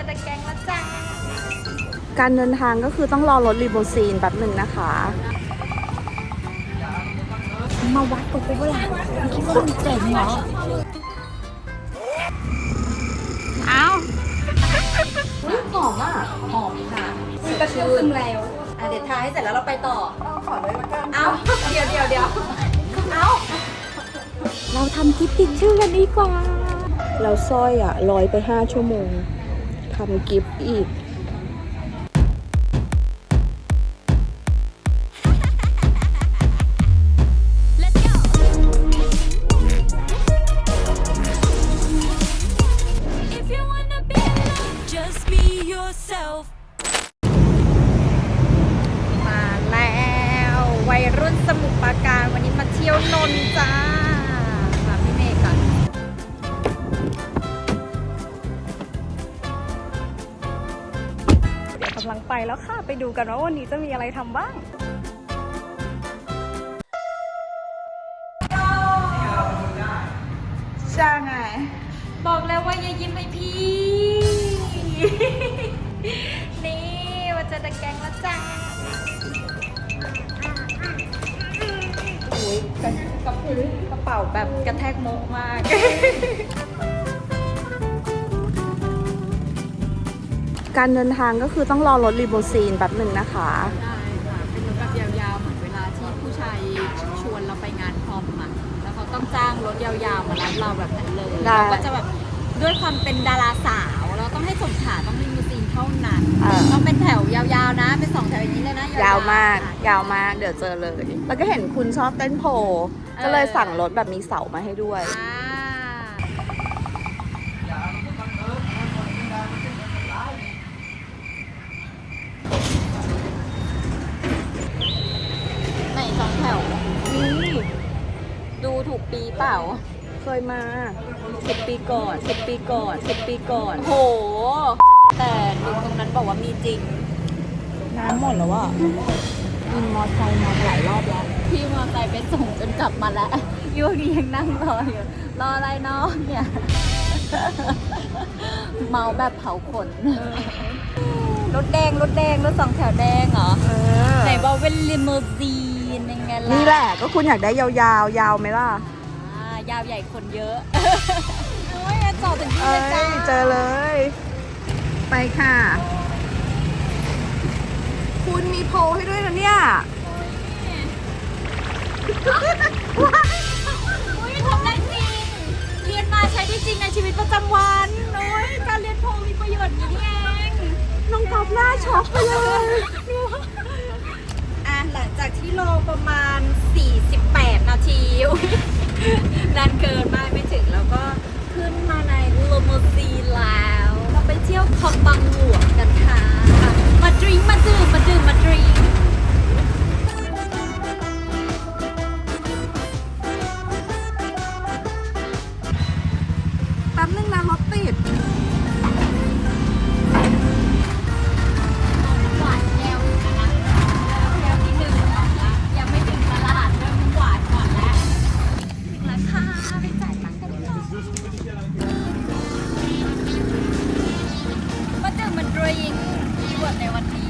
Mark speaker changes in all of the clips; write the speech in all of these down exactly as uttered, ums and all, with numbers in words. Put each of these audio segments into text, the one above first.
Speaker 1: ตะแกรงแล้วจ้า
Speaker 2: การเดินทางก็คือต้องรอรถรีโมซีนแป๊บหนึ่งนะคะ
Speaker 1: มาวัดกูไปว่าล่ะคิดว่ามันเจ๋งเหรอเอาหอมอ่ะหอมค่ะกระเทียมซึมแล้วอ่ะเดี๋ยวทาให้เสร็จแล้วเราไปต่อขอเลยละกันเอาเดี๋ยวเดี๋ยวเดี๋ยวเอาเราทำคลิปติดชื่อกันดีกว่า
Speaker 2: เราสร้อยอ่ะลอยไปห้าชั่วโมงทำกิฟต์อีก
Speaker 1: มาแล้ววัยรุ่นสมุทรปราการวันนี้มาเที่ยวนนท์จ้าค่ะพี่เมย์กันเดี๋ยวกำลังไปแล้วค่ะไปดูกันว่าวันนี้จะมีอะไรทำบ้าง
Speaker 2: จ้าไง
Speaker 1: บอกแล้วว่าอย่ายิ้มให้พี่ นี่มันจะตะแกรงแล้วจ้าโอ้ยกระกระพื้นกระเป๋าแบบกระแทกโมกมาก
Speaker 2: การเดินทางก็คือต้องรอรถรีโมซีนแป๊บหนึ่งนะคะ
Speaker 1: ได้ค่ะเป็นรถแบบยาวๆเหมือนเวลาที่ผู้ชายชวนเราไปงานพรอมอ่ะแล้วเขาต้องจ้างรถยาวๆมารับเราแบบนั้นเลยเราก็จะแบบด้วยความเป็นดาราสาวเราต้องให้สมฐานต้องรีมูซีนเท่านั้นต้องเป็นแถวยาวๆนะเป็นสองแถวอย่างนี้เลยนะ
Speaker 2: ยาวมากยาวมากเดี๋ยวเจอเลย แล้วก็เห็นคุณชอบเต้นโพก็เลยสั่งรถแบบมีเสามาให้ด้วย
Speaker 1: ไหนสองแถวนี่ดูถูกปีเปล่า
Speaker 2: เคยมาสิบปีก่อนสิบปีก่อนสิบปีก่อน
Speaker 1: โหแต่ลุงตรงนั้นบอกว่ามีจริง
Speaker 2: น้ำหมดแล้วอ่ะวินมอไซค์มาหลายรอบแล้ว
Speaker 1: พี่มอไซค์ไปส่งจนกลับมาแล้วยูดียังนั่งรออยู่รออะไรน้องเนี่ยเมาแบบเผาขนรถแดงรถแดงรถสองแถวแดงเหรอไหนบอกเป็นลิมูซีนยังไงล่ะ
Speaker 2: นี่แหละก็คุณอยากได้ยาวๆยาวไหมล่ะ
Speaker 1: ยาวใหญ่คนเยอะโอ้ยจอดถึงที่เลยจ้า
Speaker 2: เจอเลยไปค่ะคุณมีโพลให้ด้วยนะเนี่ย
Speaker 1: อุ้ยทำได้จริงเรียนมาใช้ได้จริงในชีวิตประจำวันโอ้ยการเรียนโพลมีประโยชน์อย่างนี้เอง
Speaker 2: น้องตอบหน้าช็อกไปเลย
Speaker 1: อ่ะหลังจากที่รอประมาณสี่สิบแปดนาทีนานเกินมากไม่ถึงแล้วก็ขึ้นมาในโลโมซีแล้วเราไปเที่ยวคลองบางหลวงกันค่ะมาดริงมาดื่มมาดื่มมาดริง
Speaker 2: แป๊บนึงนะรถติด
Speaker 1: หวานแก้วนะแก้วที่หนึ่งก่อนละยังไม่ถึงตลาดเริ่มหวานก่อนแล้วถึงราคาไปจ่ายตังค์กันดีกว่ามาดื่มมาดริงคีย์เวิร์ดในวันนี้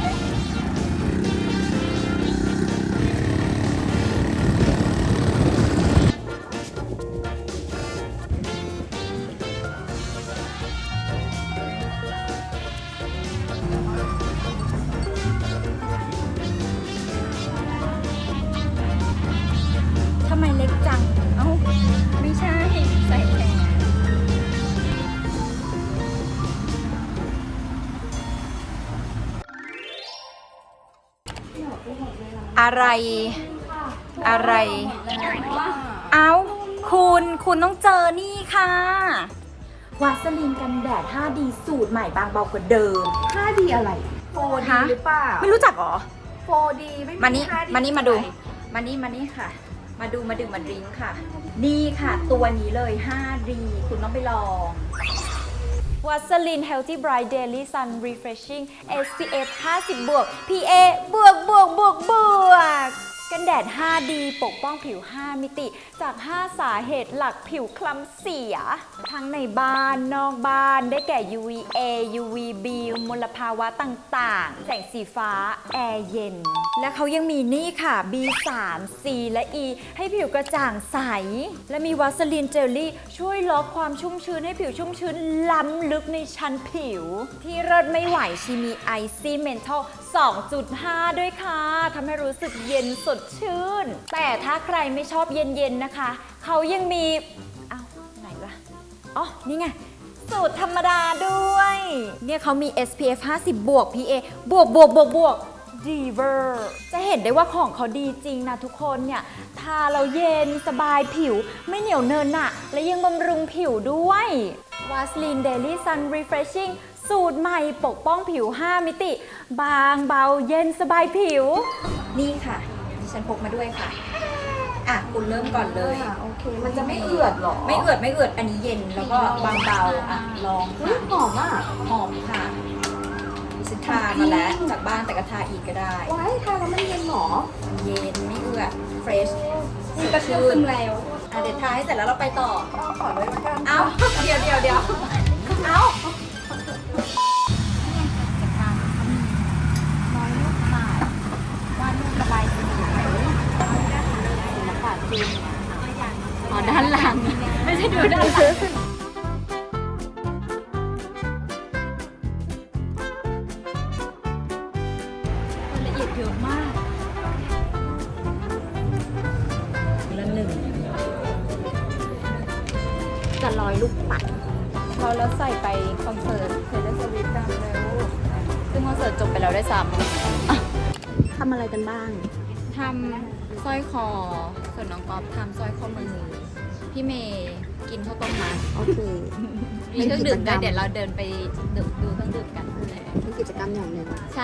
Speaker 1: ทำไมเล็กจังเอ้าไม่ใช่ใส่แขนอะไรอะไรเอ้าคุณคุณต้องเจอนี่ค่ะวาสลีนกันแดด ห้า ดี สูตรใหม่บางเบากว่าเดิม
Speaker 2: ห้า ดี อะไร โฟร์ ดี หรือเปล่า
Speaker 1: ไม่รู้จักหรอ
Speaker 2: โฟร์ ดี ไม่มี
Speaker 1: มานี่
Speaker 2: ห้า ดี
Speaker 1: มานี่มาดูมานี่มานี่ค่ะ มาดูมาดื่มมาดริงก์ค่ะนี่ค่ะตัวนี้เลย ห้า ดี คุณต้องไปลอง วัสลิน Healthy Bright Daily Sun Refreshing เอส พี เอฟ ห้าสิบบวก พี เอ บวกบวกบวกบวกกันแดด ไฟว์ ดี ปกป้องผิว ห้า มิติ จาก ห้า สาเหตุหลักผิวคล้ำเสีย ทั้งในบ้าน นอกบ้าน ได้แก่ ยู วี เอ ยู วี บี มลภาวะต่างๆ แสงสีฟ้า แอร์เย็น และเขายังมีนี่ค่ะ บี สาม ซี และ อี ให้ผิวกระจ่างใส และมีวาสลีนเจลลี่ช่วยล็อกความชุ่มชื้นให้ผิวชุ่มชื้นล้ำลึกในชั้นผิว ที่เลิศไม่ไหวชีมีไอซี่เมนทัล สองจุดห้า ด้วยค่ะทำให้รู้สึกเย็นสดชื่น แต่ถ้าใครไม่ชอบเย็นๆนะคะ เขายังมีเอ้าไหนวะอ๋อ นี่ไง สูตรธรรมดาด้วย เนี่ยเขามี เอส พี เอฟ ห้าสิบ บวก พี เอ บวกบวกบวกบวกดีเวอร์จะเห็นได้ว่าของเขาดีจริงนะทุกคนเนี่ย ทาเราเย็นสบายผิวไม่เหนียวเนินหนะและยังบำรุงผิวด้วยวาสลีนเดลี่ซันรีเฟรชชิ่งสูตรใหม่ปกป้องผิว ห้า มิติ บางเบาเย็นสบายผิว นี่ค่ะดิฉันพกมาด้วยค่ะ อ่ะ คุณเริ่มก่อนเลย
Speaker 2: โอเค มันจะไม่เอือดหรอ
Speaker 1: ไม่เอือดไม่เอือดอันนี้เย็นแล้วก็บางเบาอ่ะ ลอง
Speaker 2: เฮ้ย
Speaker 1: ค่ะ
Speaker 2: หอมอ่ะ
Speaker 1: หอมค่ะดิฉันทามาแล้วจากบ้านแต่ก็ทาอีกก็ได้
Speaker 2: ว้ายทาแล้วมันเย็นหรอ
Speaker 1: เย็นไม่เอือดเฟรช
Speaker 2: มีกระเทียมซึมแล้ว
Speaker 1: อ่ะเดี๋ยวทาให้เสร็จแล้วเราไปต่อ
Speaker 2: เอาขอเลยละกัน
Speaker 1: เอาเดี๋ยวเดี๋ยวเดี๋ยวเอาจะทำเขามีน้อยลูกข่ายวาดรูประบายสีศิลปะจีนอ๋อด้านหลัง ไม่ใช่ดูด้านหลังละเอียดเยอะมากละหนึ่งจะร้อยลูกปัดพอแล้วใส่ไปคอนเสิร์ตเทเลสวิฟกันแล้วซึ่งคอนเสิร์ตจบไปแล้วได้ซ้ำ
Speaker 2: ทำอะไรกันบ้าง
Speaker 1: ทำสร้อยคอ ส่วนน้องก๊อฟทำสร้อยข้อมือ พี่เมย์กินข้าวต้มมัด
Speaker 2: โอเค
Speaker 1: มีเครื่องดื่มด้วยเดี๋ยวเราเดินไปดูดูเครื่องดื่มกัน
Speaker 2: เป็นกิจกรรมอย่างหนึ่ง
Speaker 1: ใช่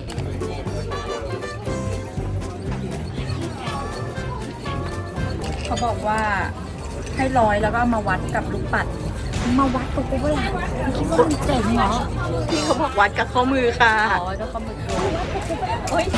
Speaker 1: เขาบอกว่าให้ร้อยแล้วก็มาวัดกับลูกปัด มาวัดกับกูเวลาคิดว่ามันเจ๋งเหรอ
Speaker 2: พี่เขาบอกวัดกับข้อมือค่ะ
Speaker 1: อ๋อแล้วก็มือโอ้ย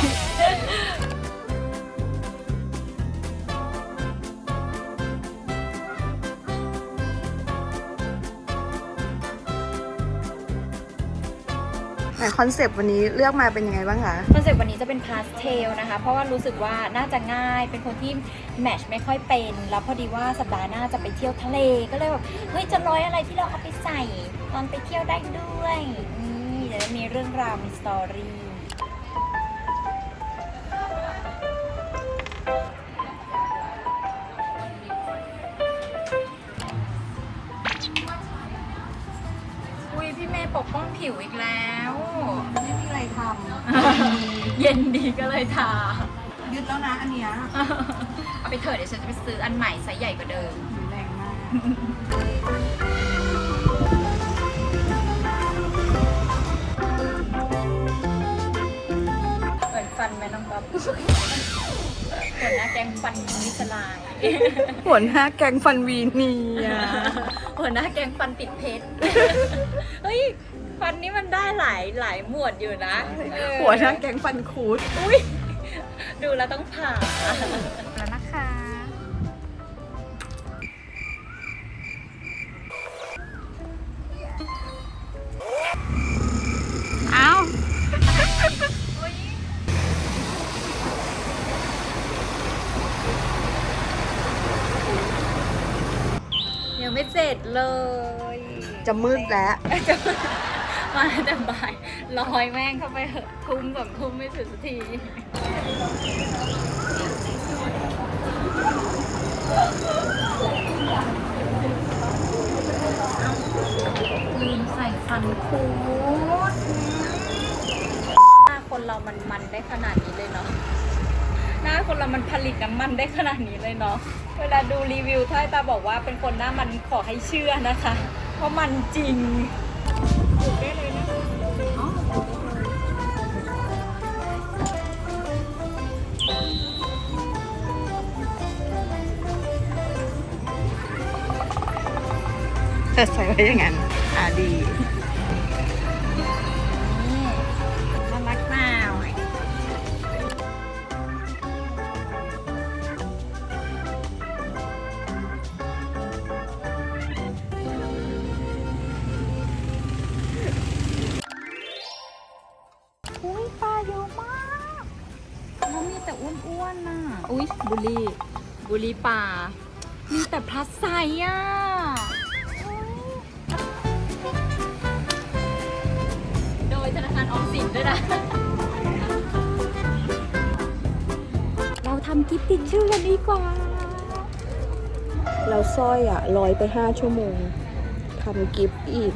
Speaker 2: ไหนคอนเซปต์วันนี้เลือกมาเป็นยังไงบ้างคะ
Speaker 1: คอนเซ็ปต์วันนี้จะเป็นพาสเทลนะคะ เพราะว่ารู้สึกว่าน่าจะง่าย เป็นคนที่แมทช์ไม่ค่อยเป็น แล้วพอดีว่าสัปดาห์หน้าจะไปเที่ยวทะเล ก็เลยแบบเฮ้ยจะร้อยอะไรที่เราเอาไปใส่ตอนไปเที่ยวได้ด้วยนี่เดี๋ยวจะมีเรื่องราวมีสตอรี่อุ้ยพี่เมย์ปกป้องผิวอีกแล้ว
Speaker 2: ไม่มีอะไรท
Speaker 1: เย็นดีก็เลยทา
Speaker 2: ำยึดแล้วนะอันเนี้ย
Speaker 1: เอาไปเถอะเดี๋ยวฉันจะไปซื้ออันใหม่ไซส์ใหญ่กว่าเดิม
Speaker 2: แรงมาก
Speaker 1: เหมือนฟันไหมน้องป๊อปหัวหน้าแกงฟันมิสลาย
Speaker 2: หัวหน้าแกงฟันวีเนีย
Speaker 1: หัวหน้าแกงฟันติดเพชร เฮ้ย ฟันนี้มันได้หลายหลายหมวดอยู่นะเออ
Speaker 2: หัวหน้าแกงฟันคูด
Speaker 1: อุ้ยดูแล้วต้องผ่าแล้วนะคะ
Speaker 2: เอา
Speaker 1: ยังไม่เสร็จเลย
Speaker 2: จะมืดแล้ว
Speaker 1: มาแต่บ่ายลอยแม่งเข้าไปเหอะทุ่มสองทุ่มไม่ถึงสักทีลืมใส่ฟันคูดหน้าคนเรามันมันได้ขนาดนี้เลยเนาะหน้าคนเรามันผลิตน้ำมันได้ขนาดนี้เลยเนาะเวลาดูรีวิวถ้าตาบอกว่าเป็นคนหน้ามันขอให้เชื่อนะคะ เพราะมันจริงถูกได้เลยนะ
Speaker 2: ใส่ไว้อย่างนั้น อ่าดี
Speaker 1: น่ารักมากอนน่ะอุ้ยบุรีบุรีป่ามีแต่พลัสไซส์อ่ะโดยธนาคารออมสินด้วยนะเราทำกิฟต์ติดชื่อกันดีกว่า
Speaker 2: เราสร้อยอ่ะลอยไปห้าชั่วโมงทำกิฟต์อีก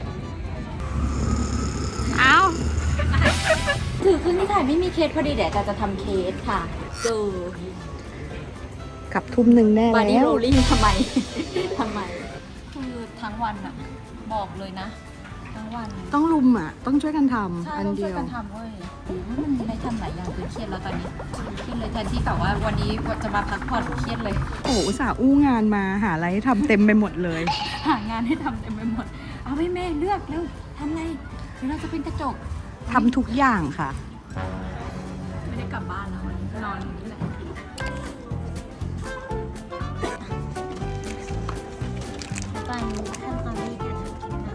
Speaker 1: เอาถือขึ้นที่ถ่ายไม่มีเคสพอดีเดี๋ยวจะจะทำเคสค่ะเจอ
Speaker 2: กับทุ่มหนึ่งแน่
Speaker 1: บอดี้
Speaker 2: แล้
Speaker 1: โร
Speaker 2: ว
Speaker 1: ลลิ่งทำไม ทำไม คือทั้งวันอะบอกเลยนะ ทั้งวัน
Speaker 2: ต้องลุมอ่ะ ต้องช่วยกันทำ
Speaker 1: ใช่
Speaker 2: อัน
Speaker 1: ต้อง
Speaker 2: เดี
Speaker 1: ช่วย
Speaker 2: ยว
Speaker 1: กันทำเว้ยโอ้ยมันได้ทำหลายอย่างคือเครียดแล้วตอนนี้เครียดเลยแทนที่แบบว่าวันนี้จะมาพักผ่อนเครียดเลย
Speaker 2: โอ้โหอุตส่าห์อู้งานมาหาอะไรให้ทำเต็มไปหมดเลย
Speaker 1: หางานให้ทำเต็มไปหมด เอาไปแม่เลือกเร็วทำไงเดี๋ยวเราจะเป็นกระจก
Speaker 2: ทำทุกอย่างค่ะ
Speaker 1: ไม่ได้กลับบ้านนะวันนี้นอนอยู่นี่แหละตอนขั้นตอนนี้กัน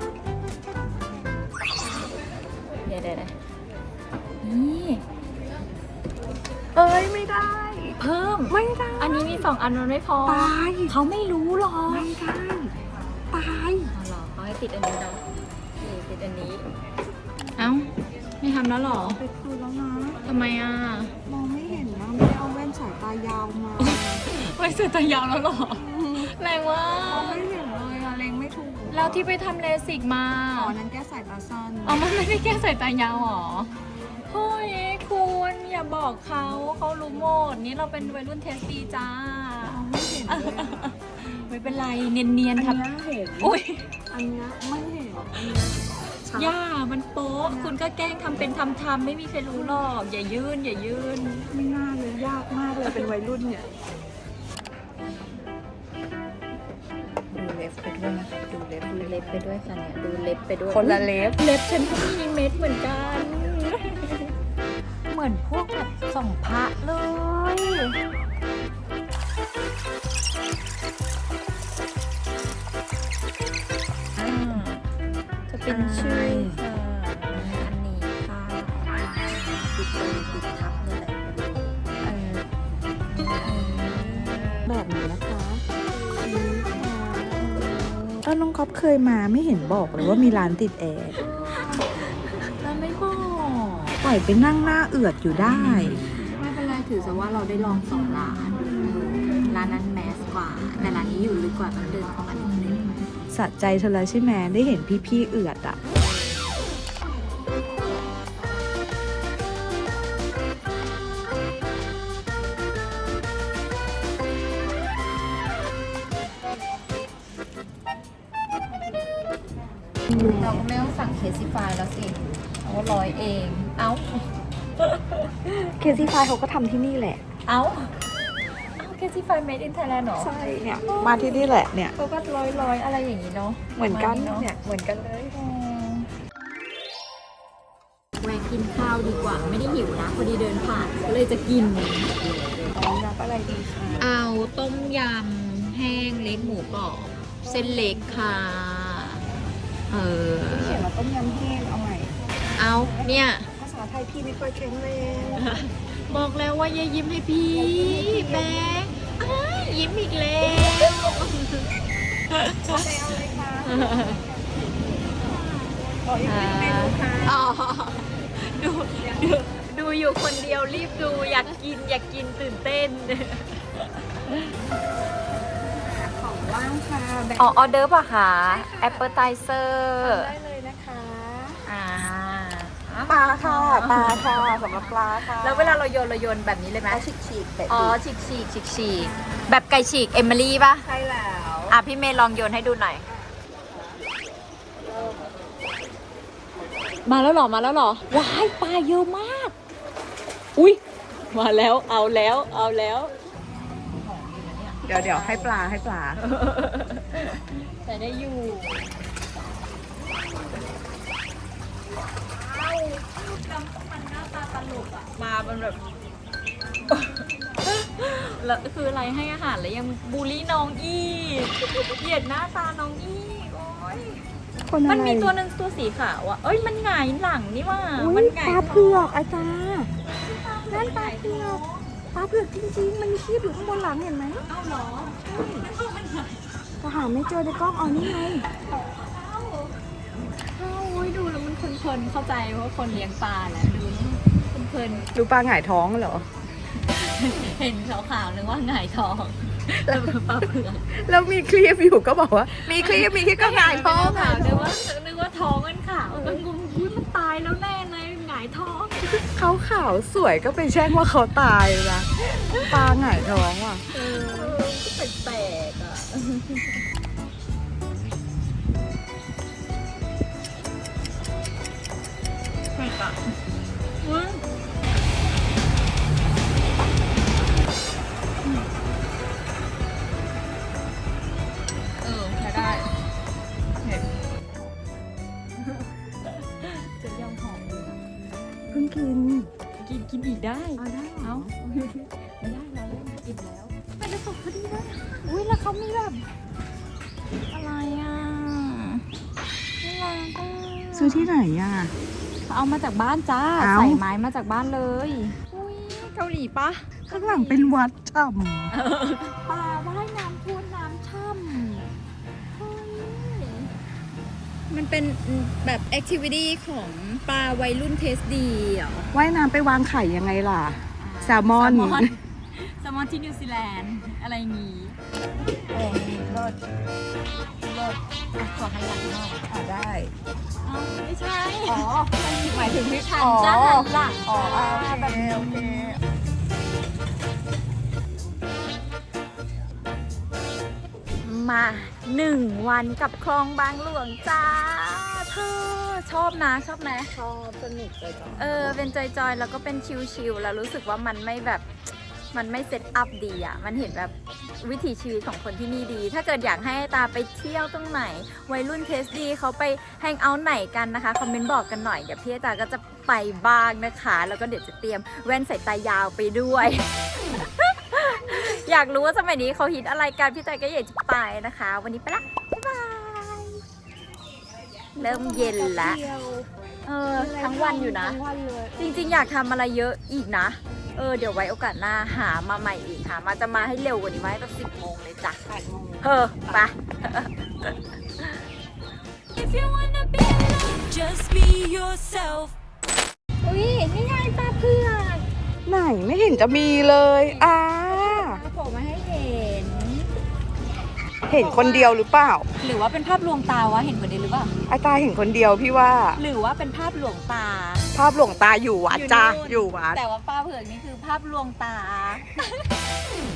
Speaker 1: เดี๋ยวเดี๋ยวนี่
Speaker 2: เอ้ยไม่ได้
Speaker 1: เพิ่ม
Speaker 2: ไม่ได้
Speaker 1: อันนี้มีสองอันมันไม่พอ
Speaker 2: ตาย
Speaker 1: เขาไม่รู้หรอก
Speaker 2: ไม่ได้ ตาย
Speaker 1: เอาหรอเขาให้ติดอันนี้เนาะนี่ติดอันนี้ เอ้า ไม่ทำแล้วหรอ
Speaker 2: ไปคืนแล้วนะ
Speaker 1: ทำไมอ่ะ
Speaker 2: มองไม่เห็นนะไม่ได้เอาแว่นสายตายาวมา
Speaker 1: ไม่เสร็จแต่ยาวแล้วหรอ แรงว่าม
Speaker 2: องไม่เห็นเลยอะเล็งไม่ถูก
Speaker 1: แล้วที่ไปทำเลสิกมา
Speaker 2: อ๋อนั้นแก้สายตาสั้น
Speaker 1: อ๋อมันไม่ได้แก้สายตายาวหรอเฮ้ยคุณอย่าบอกเขาเขารู้หมด นี่เราเป็นวัยรุ่นเทสตีจ้า
Speaker 2: ไม่เห็นเลยอะ
Speaker 1: ไม่เป็นไรเนียนๆ
Speaker 2: อัน
Speaker 1: ครับ
Speaker 2: เนี้ยเห็น
Speaker 1: อุ้ย
Speaker 2: อันเนี้ยไม่เห็นอันเนี้ยชัด
Speaker 1: ย่ามันโป๊ะคุณก็แกล้งทำเป็นทำทำไม่มีใครรู้หรอก อย่ายื่น อย่ายื่น
Speaker 2: ไม่น่าเลยยากมากเลยเป็นวัยรุ่นเนี่ย
Speaker 1: ดูเล็บไปด้วยนะคะดูเล็บดูเล็บไปด้วยค่ะเนี่ยดูเล็บไปด้วย
Speaker 2: คนละเล็บ
Speaker 1: เล็บฉันก็มีเม็ดเหมือนกัน เหมือนพวกแบบส่องพระเลยอ่าจะเป็นชื่อค่ะอันนี้ค่ะติดเลยติดทับนี่แหละเออ
Speaker 2: แบบนี้นะคะเออน้องก๊อฟเคยมาไม่เห็นบอกเลยว่ามีร้านติดแอร์
Speaker 1: แล้วไม่บอก
Speaker 2: ปล่อยไปนั่งหน้าเอือดอยู่ได้
Speaker 1: ไม่เป็นไรถือซะว่าเราได้ลองสองร้าน ร้านนั้นแมสกว่า แต่ร้านนี้อยู่ลึกกว่าต้องเดินเข้ามานิดนึง
Speaker 2: สะใจเธอแล้วใช่ไหมได้เห็นพี่ๆเอือดอ่ะ
Speaker 1: เราก็ไม่ต้องสั่งเคซิฟายแล้วสิเอาร้อยเอง เอ้า
Speaker 2: เคซี่ไฟเขาก็ทำที่นี่แหละ
Speaker 1: เอ้า เอ้าเคซิฟาย made in Thailand เหรอ
Speaker 2: ใช่เนี่ย มาที่นี่แหละเนี่ย
Speaker 1: เขาก็ร้อยร้อยๆอะไรอย่างนี้เนาะ
Speaker 2: เหมือนกัน
Speaker 1: ประาณ
Speaker 2: เนี่ย เหมือนกันเลย
Speaker 1: แวะกินข้าวดีกว่า ไม่ได้หิวนะ พอดีเดินผ่านก็เลยจะกิน
Speaker 2: รับอะไรดีคะ
Speaker 1: เอาต้มยำแห้งเล็กหมูกรอบเส้นเล็กค่ะ เออ
Speaker 2: เขียนว่าต้มยำแห้งเอาใหม่
Speaker 1: เอาเนี่ย
Speaker 2: ภาษาไทยพี่ไม่ค่อยแข็งแรง
Speaker 1: บอกแล้วว่าอย่ายิ้มให้พี่แบ๊กอ้ายยิ้มอีกแล้ว
Speaker 2: เอาเลยค่ะขออีกหนึ่งเมนูค่ะ
Speaker 1: อ๋อดูดูดูอยู่คนเดียวรีบดูอยากกินอยากกินตื่นเต้น
Speaker 2: ของว่างค่ะแบ่ง
Speaker 1: อ๋อออเดอร์ป่ะคะแอปเปิลไทเซอร์
Speaker 2: ได้เลยนะคะ
Speaker 1: อ่า
Speaker 2: ปลาค่ะปลาค่ะสำหรับปลาค่ะ
Speaker 1: แล้วเวลาเราโยนเราโยนแบบนี้เลยไหม
Speaker 2: ฉีกฉีกๆแบบ
Speaker 1: อ๋อฉีกฉีกฉีกฉีกแบบไก่ฉีกเอมิลี่ป่ะ
Speaker 2: ใช่แล้ว
Speaker 1: อ่ะพี่เมย์ลองโยนให้ดูหน่อย มาแล้วหรอ มาแล้วหรอ ว้ายปลาเยอะมาก อุ้ยมาแล้วเอาแล้วเอาแล้ว
Speaker 2: เดี๋ยวเดี๋ยวให้ปลาให้ปลา
Speaker 1: ใส่ได้อยู่มันหน้าตาตลกอ่ะ มาเป็นแบบ แล้วคืออะไรให้อาหารแล้วยังบูลลี่น้องอีกเหยียดหน้าตาน้องอีกโอ้ย
Speaker 2: คนอะไร
Speaker 1: มันมีตัวหนึ่งตัวสีขาวอ่ะ เอ้ยมันหงายหลังนี่ว่า
Speaker 2: อุ๊ย
Speaker 1: มันหงาย
Speaker 2: ปลาเผือกไอ้ตานั่นปลาเผือก
Speaker 1: อ
Speaker 2: ปลาเผือกจริงๆมันมีครีบอยู่ข้างบนหลังเห็นไหม
Speaker 1: เอ้าเหรอไม่เข้ามันไหน
Speaker 2: ก็หาไม่เจอในกล้องอ๋อนี่ไง
Speaker 1: เข้าโอ้ยดูแล้วมันเพลินๆเข้าใจว่าคนเลี้ยงปลาแหละดูเพลิน
Speaker 2: ดูปลาหงายท้องเหรอ
Speaker 1: ๆเห็นขาวๆนึกว่าหงายท้องแล้วปลาเผือก
Speaker 2: แล้วมีครีบอยู่ก็บอกว่า มีครีบมีครีบก็หงายท้อง
Speaker 1: ขาวนึกว่านึกว่าท้องมันขาวก็งงอุ้ยมันตายแล้วแน่เลยหงายท้อง
Speaker 2: เขาขาวสวยก็ไปแช่งว่าเขาตายนะปลาหงายท้องว่ะ
Speaker 1: เออแปลกๆอ่ะแปลกอ่ะว้าเออใช้ได้เห็นจะยำหอมเลยนะ
Speaker 2: เพิ่งกิน
Speaker 1: กินกินอีกได้
Speaker 2: เอาได้เหร
Speaker 1: เอ้า
Speaker 2: อ
Speaker 1: ไม่ได้เราเล่นกินแล้วมันจะตกพอดีเลยอุ้ยแล้วเขามีแบบอะไรอ่ะน่ารักอ่ะ
Speaker 2: ซื้อที่ไหนอ่ะ
Speaker 1: เอามาจากบ้านจ้า
Speaker 2: เอ้า
Speaker 1: ใส่ไม้มาจากบ้านเลยอุ้ยเกาหลีปะ
Speaker 2: ข้างหลังเป็นวัดช่
Speaker 1: ปลาว่ายน้ำท่วมน้ำช่ำเฮ้ยมันเป็นแบบแอคทิวิตี้ของปลาวัยรุ่นเทสดีเหรอ
Speaker 2: ำว่ายน้ำไปวางไข่ยังไงล่ะ แซลมอน
Speaker 1: แซลมอนแซลมอนที่นิวซีแลนด์อะไรงี้โอ้มีรสรสอ่ะขอให้หลังหน่อย
Speaker 2: อ่าได้
Speaker 1: อ๋อไม่ใช่
Speaker 2: อ๋อ หมายถึงที่
Speaker 1: ฉัน
Speaker 2: อ๋อ
Speaker 1: จะหันหลัง
Speaker 2: อ๋อ
Speaker 1: จ้า
Speaker 2: โอเค
Speaker 1: แบบนี้
Speaker 2: โอเค
Speaker 1: มาหนึ่งวันกับคลองบางหลวงจ้าเธอชอบนะชอบไหม
Speaker 2: ชอบสนุกเลยจ้ะ
Speaker 1: เออเป็นจอยๆ แล้วก็เป็นชิลๆ แล้วรู้สึกว่ามันไม่แบบมันไม่เซตอัพดีอ่ะ มันเห็นแบบวิถีชีวิตของคนที่นี่ดี ถ้าเกิดอยากให้ตาไปเที่ยวตรงไหน วัยรุ่นเทสดีเขาไปแฮงเอาท์ไหนกันนะคะ คอมเมนต์บอกกันหน่อย เดี๋ยวพี่ตาก็จะไปบ้างนะคะ แล้วก็เดี๋ยวจะเตรียมแว่นสายตายาวไปด้วย อยากรู้ว่าสมัยนี้เขาฮิตอะไรกัน พี่ตาก็อยากจะไปนะคะ วันนี้ไปละ บ๊ายบาย เริ่มเย็นละเออ ทั้งวันอยู่นะ
Speaker 2: ทั้งวันเลย
Speaker 1: จริงๆ อยากทำอะไรเยอะอีกนะ เออ เดี๋ยวไว้โอกาสหน้าหามาใหม่อีกหามาจะมาให้เร็วกว่านี้ไหมตั้งสิบโมงเลยจ้ะ
Speaker 2: แปดโมง
Speaker 1: เออไป If you wanna be alone just be yourself อุ้ยนี่ไงปลาเผือก
Speaker 2: ไหนไม่เห็นจะมีเลยอ่า
Speaker 1: ปลาโผล่มาให้เห็น
Speaker 2: เห็นคนเดียวหรือเปล่า
Speaker 1: หรือว่าเป็นภาพลวงตาวะ เห็นคนเดียวหรือเปล่า
Speaker 2: อาตาเห็นคนเดียวพี่ว่า
Speaker 1: หรือว่าเป็นภาพลวงตา
Speaker 2: ภาพหลวงตาอยู่วัดจ้า
Speaker 1: นู่น
Speaker 2: อยู่วัด
Speaker 1: แต่ว่าปลาเผือกนี่คือภาพลวงตา